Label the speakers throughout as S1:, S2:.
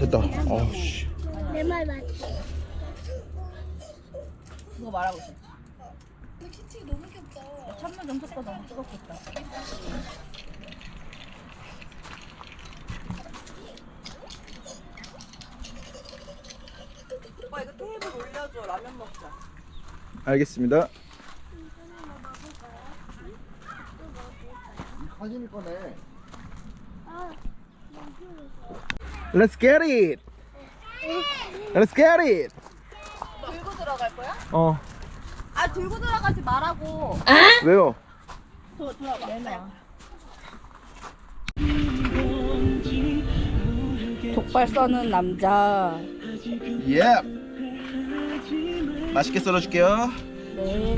S1: 맛있겠다. 씨.
S2: 내 말 맞지?
S3: 그거 말하고 있어.
S2: 근데 키치 너무 귀엽다.
S3: 찬물 좀 섞어 너무 뜨겁겠다. 오빠 이거 테이블 올려줘. 라면 먹자.
S1: 알겠습니다.
S4: 사진이 꺼내.
S1: Let's get it. Let's get it.
S3: 들고 들어갈 거야?
S1: 어.
S3: 아 들고 들어가지 말라고.
S1: 왜요?
S3: 들어봐. 내놔. 족발 써는 남자.
S1: 예. 맛있게 썰어줄게요.
S3: 네.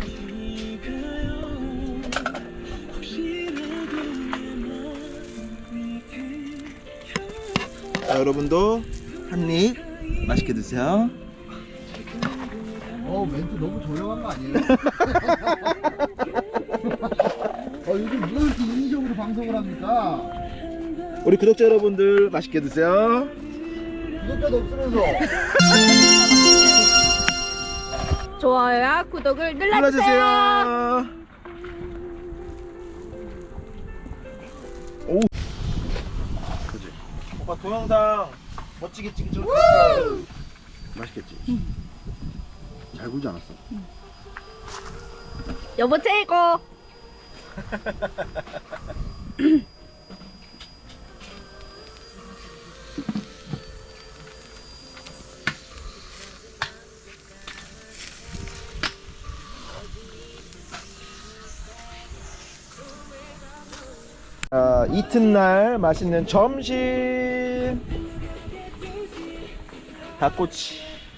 S1: 자, 여러분도 한 입 맛있게 드세요.
S4: 멘트 너무 저렴한 거 아니에요? 요즘 누가 이렇게 인위적으로 방송을 합니까?
S1: 우리 구독자 여러분들 맛있게 드세요.
S4: 구독자도 없으면서.
S3: 좋아요와 구독을 눌러주세요.
S1: 눌러주세요. 오. 그지. 오빠 동영상 멋지게 찍죠. 맛있겠지.
S4: 잘 굴지 않았어?
S3: 여보 최고.
S1: 이튿날 맛있는 점심. 닭꼬치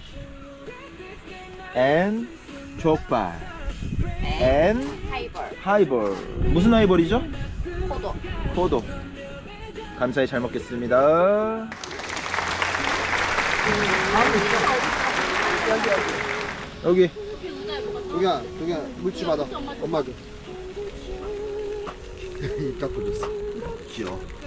S1: 앤 족발 앤
S3: 하이볼.
S1: 하이볼. 무슨 하이볼이죠?
S3: 포도.
S1: 포도. 감사히 잘 먹겠습니다. 여기
S4: 저기야 물집 받아. 엄마 줘. 입 깎고 줬어. 귀여워.